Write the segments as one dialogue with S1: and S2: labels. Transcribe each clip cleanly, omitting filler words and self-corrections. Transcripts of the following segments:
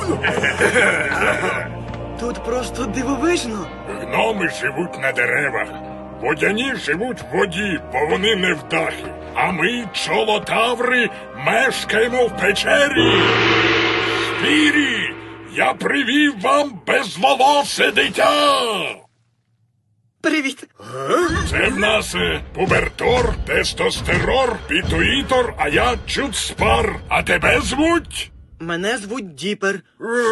S1: Тут просто дивовижно.
S2: Гноми живуть на деревах. Водяні живуть в воді, бо вони не в дахі. А ми, чолотаври, мешкаємо в печері. Спірі, я привів вам безволосе дитя.
S1: Привіт.
S2: Це в нас пубертор, тестостерор, пітуїтор, а я Чудспар. А тебе звуть?
S1: Мене звуть Діпер.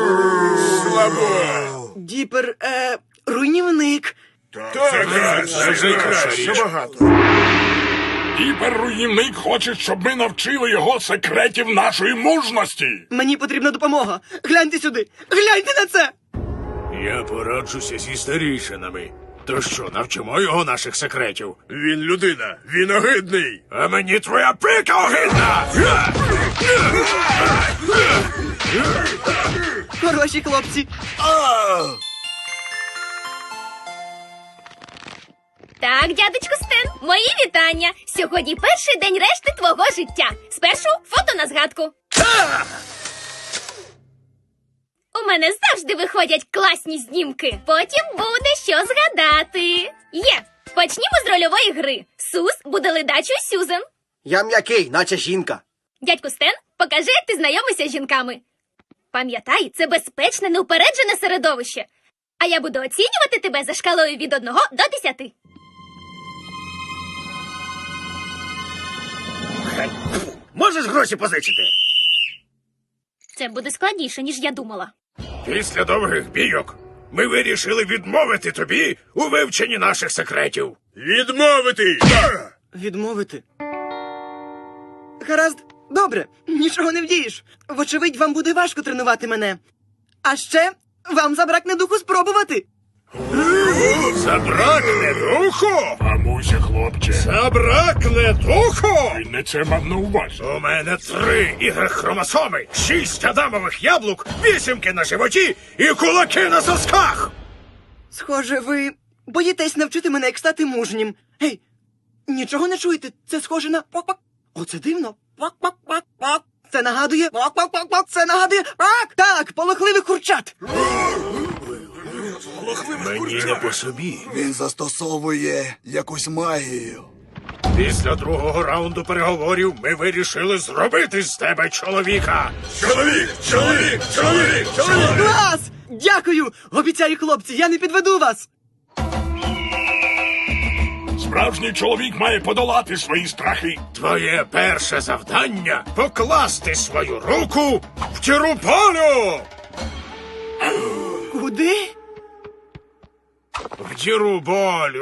S2: Слабо.
S1: Діпер, руйнівник.
S2: Це краще багато. Гіперруйнівник хоче, щоб ми навчили його секретів нашої мужності.
S1: Мені потрібна допомога. Гляньте сюди. Гляньте на це.
S3: Я пораджуся зі старішинами. То що, навчимо його наших секретів?
S4: Він людина, він огидний.
S3: А мені твоя пика огидна!
S1: Хороші хлопці.
S5: Так, дядечку Стен, мої вітання. Сьогодні перший день решти твого життя. Спершу фото на згадку. У мене завжди виходять класні знімки. Потім буде що згадати. Є. Почнімо з рольової гри. Сус буде ледачою Сюзен.
S1: Я м'який, наче жінка.
S5: Дядьку Стен, покажи, як ти знайомишся з жінками. Пам'ятай, це безпечне, неупереджене середовище. А я буду оцінювати тебе за шкалою від 1 до 10.
S4: Можеш гроші позичити?
S5: Це буде складніше, ніж я думала.
S3: Після довгих бійок ми вирішили відмовити тобі у вивченні наших секретів.
S4: Відмовити!
S1: Відмовити. Гаразд, добре, нічого не вдієш. Вочевидь, вам буде важко тренувати мене. А ще вам забракне духу спробувати.
S3: Забракне духу!
S2: Мамуся, хлопче,
S3: Забракне духу!
S2: ти не це мав на увазі.
S3: У мене 3 ігрохромосоми, 6 адамових яблук, 8 на животі і кулаки на сосках!
S1: Схоже, ви боїтесь навчити мене, як стати мужнім. Гей, нічого не чуєте? Це схоже на пак-пак. Оце дивно. Пак-пак-пак-пак. Це нагадує пак-пак-пак-пак. Це нагадує пак. Так, полохливих курчат.
S3: Мені не по собі.
S6: Він застосовує якусь магію.
S3: Після другого раунду переговорів ми вирішили зробити з тебе чоловіка.
S4: Чоловік! Чоловік! Чоловік! Чоловік!
S1: Клас! Дякую! Обіцяю, хлопці, я не підведу вас.
S2: Справжній чоловік має подолати свої страхи.
S3: Твоє перше завдання — покласти свою руку в Тіруполю!
S1: Куди?
S3: В Тіруполю!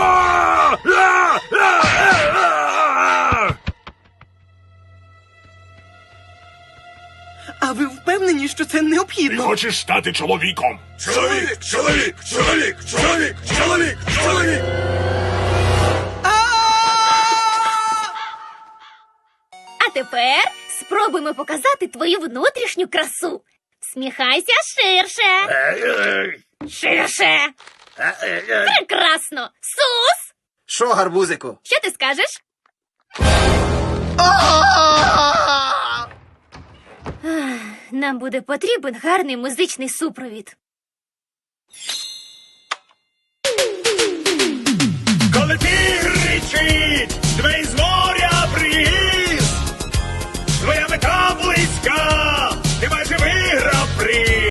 S1: А ви впевнені, що це
S2: Ти
S1: необхідно?
S2: хочеш стати чоловіком.
S4: Чоловік! Чоловік! Чоловік! Чоловік! Чоловік! Чоловік!
S5: А тепер спробуємо показати твою внутрішню красу. Сміхайся ширше. Ширше. Прекрасно. Сус!
S1: Що, гарбузику?
S5: Що ти скажеш? Нам буде потрібен гарний музичний супровід.
S3: Коли тигр ричить, двері з моря